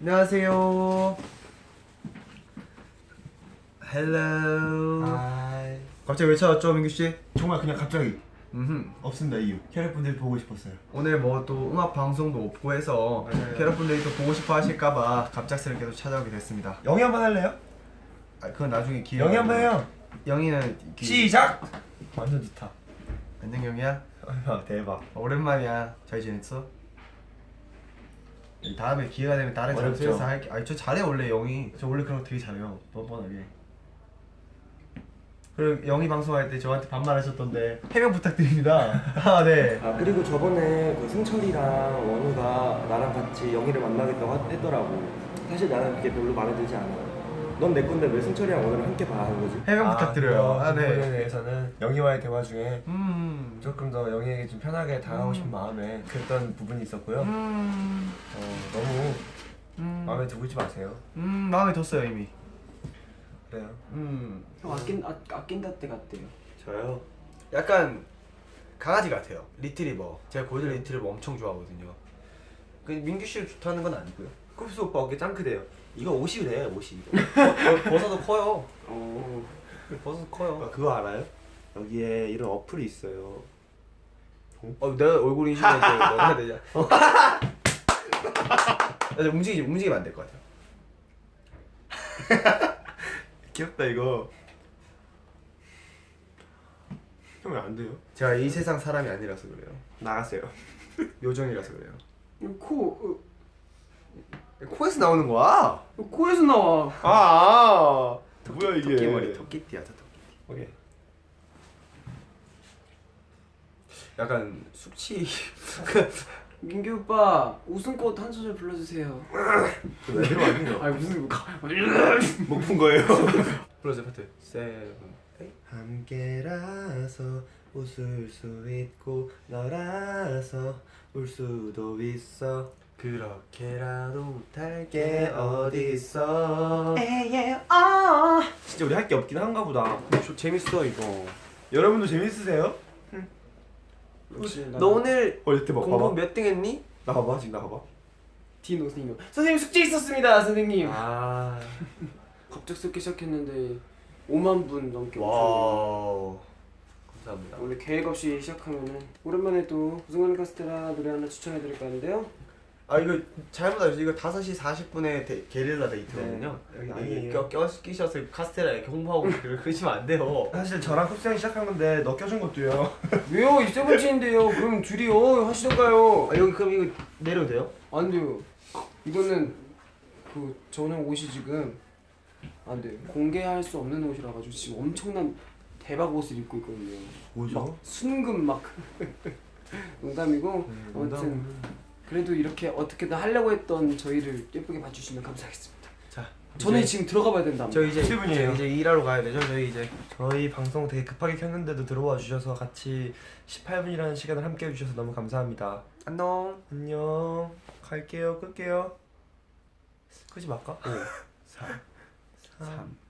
안녕하세요. 헬로. 하이. 갑자기 왜 찾았죠, 민규 씨? 정말 그냥 갑자기 없습니다 이유. 캐럿분들 보고 싶었어요. 오늘 뭐 또 음악 방송도 없고 해서 맞아요. 캐럿분들이 또 보고 싶어 하실까봐 갑작스럽게 또 찾아오게 됐습니다. 영희 한번 할래요? 아 그건 나중에 기회. 영희 한번 해요. 영희는 시작. 완전 좋다. 안녕 영희야. 대박. 오랜만이야. 잘 지냈어? 다음에 기회가 되면 다른 어렵죠? 장소에서 할게. 아니 저 잘해 원래 영희. 저 원래 그런 거 되게 잘해요. 뻔뻔하게. 그리고 영희 방송할 때 저한테 반말하셨던데 해명 부탁드립니다. 아 네. 아 그리고 저번에 그 승철이랑 원우가 나랑 같이 영희를 만나겠다고 했더라고. 사실 나는 그게 별로 마음에 들지 않아. 넌 내 건데 왜 승철이랑 원우를 함께 봐 하는 거지? 해명 부탁드려요. 아 부분에 네. 대해서는 영희와의 대화 중에 음. 조금 더 영희에게 좀 편하게 다가가고 싶은 마음에 그랬던 부분이 있었고요. 너무 마음에 두고 있지 마세요. 마음에 뒀어요 이미. 그래요. 형 아낀다 때 같대요. 저요. 약간 강아지 같아요. 리트리버. 제가 골든 리트리버 엄청 좋아하거든요. 그 민규 씨를 좋다는 건 아니고요. 쿱스 오빠 어깨 짱크대요. 이거 옷이래 옷이. 버섯도 커요. 버섯 커요. 그거 알아요? 여기에 이런 어플이 있어요. 내가 얼굴 인식해서 너가 해야 되냐? 나 움직이면 안 될 것 같아요. 귀엽다 이거. 형 왜 안 돼요? 제가 이 세상 사람이 아니라서 그래요. 나갔어요. 요정이라서 그래요. 코 코에서 나오는 거야? 코에서 나와. 뭐야 이게? 토끼머리, 토끼띠야, 저 토끼. 오케이. 약간 숙취. 민규 오빠 웃음꽃 한 소절 불러주세요. 왜 들어왔니? 아니 무슨 못 푼 거예요. 불러줘 파트. 세븐, 에잇. 함께라서 웃을 수 있고 너라서 울 수도 있어. 그렇게라도 못할 게 게 어딨어. 진짜 우리 할 게 없긴 한가 보다. 재밌어 이거. 여러분도 재밌으세요? 너 오늘 대박. 공부 봐봐. 몇 등 했니? 나 봐봐 지금 나 봐봐. 디노 선생님 숙제 있었습니다 선생님. 아. 갑작스럽게 시작했는데 5만 분 넘게 오셨네요. 와우. 감사합니다. 원래 계획 없이 시작하면은 오랜만에 또 우승하는 카스테라 노래 하나 추천해드릴까 하는데요. 아 이거 잘못 알았어요. 이거 5시 40분에 게릴라 데이트거든요. 여기 아니 아니에요. 끼셔서 카스테라 이렇게 홍보하고 그러시면 안 돼요. 사실 저랑 쿱스 형이 시작한 건데 너 껴준 것도요. 왜요? 이 세븐틴인데요. 그럼 둘이요 하시던가요? 아 여기 그럼 이거 내려도 돼요? 안 돼요. 이거는 저는 옷이 지금 안 돼요. 공개할 수 없는 옷이라 가지고 지금 엄청난 대박 옷을 입고 있거든요. 뭐죠? 순금 막 농담이고 아무튼 그래도 이렇게 어떻게든 하려고 했던 저희를 예쁘게 봐주시면 감사하겠습니다. 자, 저는 이제 지금 들어가봐야 된다. 저 이제 7분이에요. 이제 일하러 가야 되죠. 저희 이제 저희 방송 되게 급하게 켰는데도 들어와 주셔서 같이 18분이라는 시간을 함께 해주셔서 너무 감사합니다. 안녕. 안녕. 갈게요. 끌게요. 끄지 말까? 5, 4, 3,